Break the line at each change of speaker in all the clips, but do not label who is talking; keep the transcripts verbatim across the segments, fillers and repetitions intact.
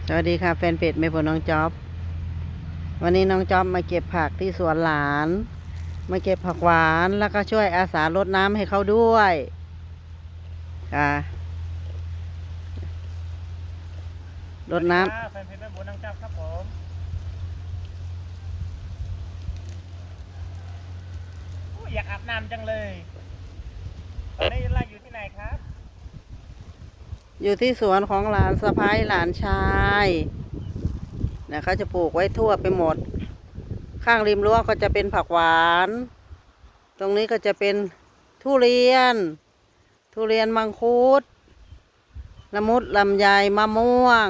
สวัสดีค่ะแฟนเพจแม่พลน้องจ๊อบวันนี้น้องจ๊อบมาเก็บผักที่สวนหลานมาเก็บผักหวานแล้วก็ช่วยอาสารดน้ำให้เขาด้วยค่ะรดน้
แฟนเพจแม่บัวนังจับครับผมอยากอาบน้ำจังเลยตอนนี้เราอยู่ที่ไหนครับ
ำอยู่ที่สวนของหลานสะพ้ายหลานชายเนี่ยเขาจะปลูกไว้ทั่วไปหมดข้างริมรั้วก็จะเป็นผักหวานตรงนี้ก็จะเป็นทุเรียน ทุเรียนมังคุดละมุดลำไยมะม่วง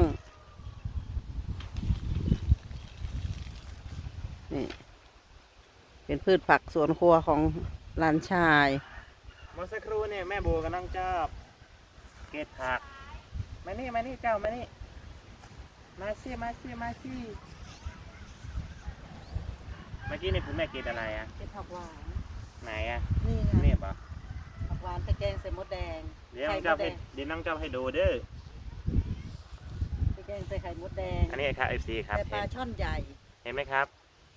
นี่เป็นพืชผักสวนครัวของหลานชาย
เมื่อสักครู่เนี่ยแม่บัวกับน้องจับเก็บผักมานี่มานี่เจ้ามานี่มาซี่มาซี่มาซี่เมื่อกี้นี่คุณแม่เก็บอะไรอ่ะ
เป็นผักหวาน
ไหนอ่ะ
นี่ไง
นี่ปะ
ผักหวานตะแกงใส่มดแดง
เดี๋ยวน้องจับให้เดี๋ยวน้องจับให้ดูเด้อ
ตะแกงใส่ไข่มดแดง
อันนี้ครับ เอฟ ซี ครับ
ใส่ปลาช่อนใหญ่
เห็นไหมครับ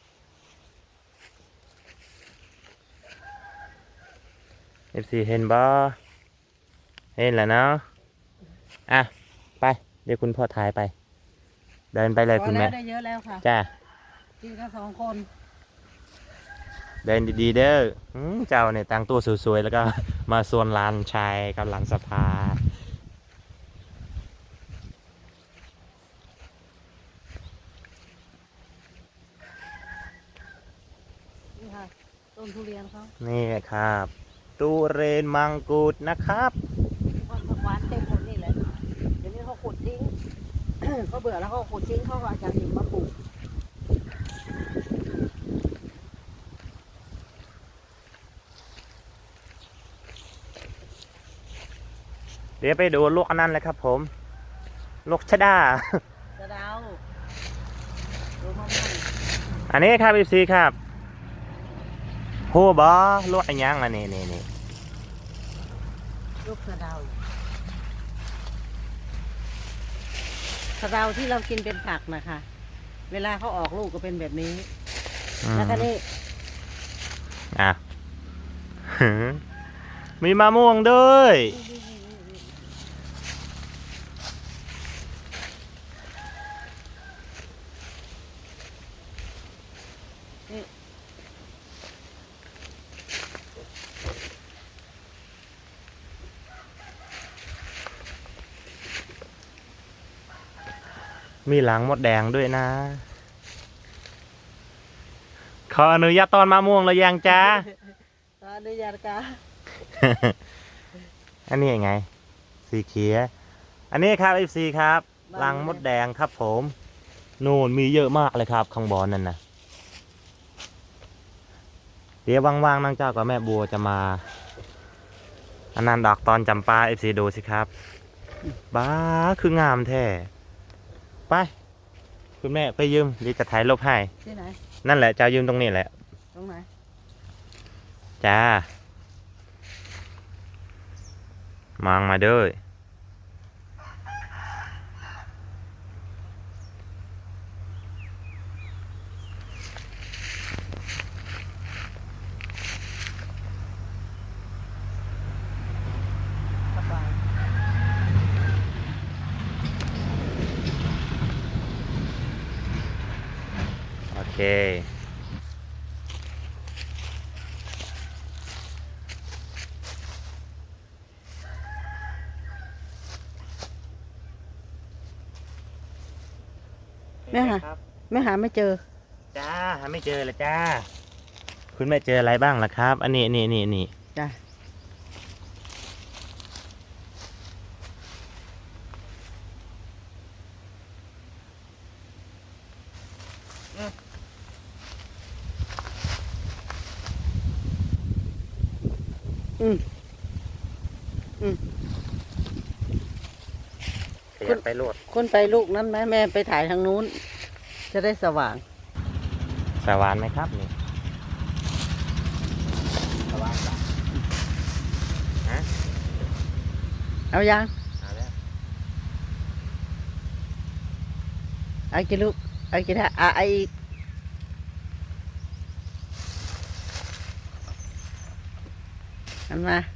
เอฟซีเห็นบ่เห็นแล้วเนาะอ่ะไปเดี๋ยวคุณพ่อถ่ายไปเดินไปเลยคุณแม่
ได้เยอะแล้วค่ะ
จ้า
กินกันสองคน
เดินดีๆเด้อเจ้าเนี่ยแต่งตัวสวยๆแล้วก็มาส่วนลานชายกับหลังสภา
นี่ค่ะต้นทุเรียนเขา
นี่ครับตูเรนมังกุดนะครับ
ผักหวานเต็มหมดนี่เลยเดี๋ยวนี้เขาขุดทิ้ง เขาเบื่อแล้วเขาขุดทิ้งเขาก็เอาจากหินมาปลูก
เดี๋ยวไปดูลูกอันนั้นเลยครับผมลูกชะดา
สะเดาดูมะม่วง
อันนี้ครับพี่ซีครับโหบอลูกอันยังอันนี้นี่นี่
ลูกสะเดาสะเดาที่เรากินเป็นผักนะคะเวลาเขาออกลูกก็เป็นแบบนี้แล้วก็นี่
อ่ะ มีมะม่วงด้วยมีหลังมดแดงด้วยนะขออนุญาตตอนมะม่วงเลยยังจ้า
ตอนนี้ยาค่ะ
อันนี้ยังไงสีเขียวอันนี้ครับ เอฟ ซี ครับรังมดแดงครับผมนู่นมีเยอะมากเลยครับข้างบนนั่นนะเดี๋ยวว่างๆนั่งเจ้ากับแม่บัวจะมาอันนั้นดอกตอนจำปา เอฟ ซี ดูสิครับบ้าคืองามแท้ไปคุณแม่ไปยืมดีจะถ่ายรูปให้
ที่ไหน
นั่นแหละจะยืมตรงนี้แหละ
ตรงไหน
จ้ามองมาด้วยโอเค
ไม่หาไม่หาไม่เจอ
จ้าหาไม่เจอเลยจ้าคุณแม่เจออะไรบ้างล่ะครับอันนี้นี่นี่นี่
จ้าอืมอืม
คุณไปโลด
คุณไปลูกนั้นไหมแม่ไปถ่ายทางนู้นจะได้สว่าง
สว่างไหมครับนี่สว่างจ้ะฮะ
เอายัง
เอาแล้ว
เอากี่ลูกเอากี่ท่าอ่ะไอาอีกอันมา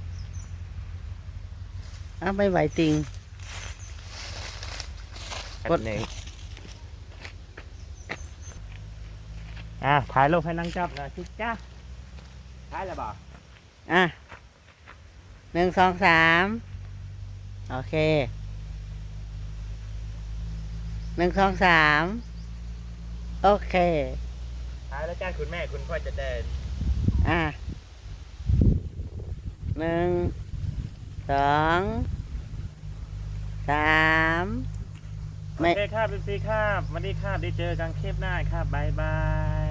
เอาไม่ไหวติง กด
หนึ่งอ่ะถ่ายรูปให้นั่งจับหนะชิจ้าถ่ายแล้วบ่
อ่ะหนึ่งสองสามโอเคหนึ่งสองสามโอเค
ถ่ายแล้วจ้าคุณแม่คุณพ่อจะเดิน
อ่ะหนึ่งสองสามไม่
โอเคครับพี่ซีครับวันนี้ครับได้เจอกันคลิปหน้าครับบายบาย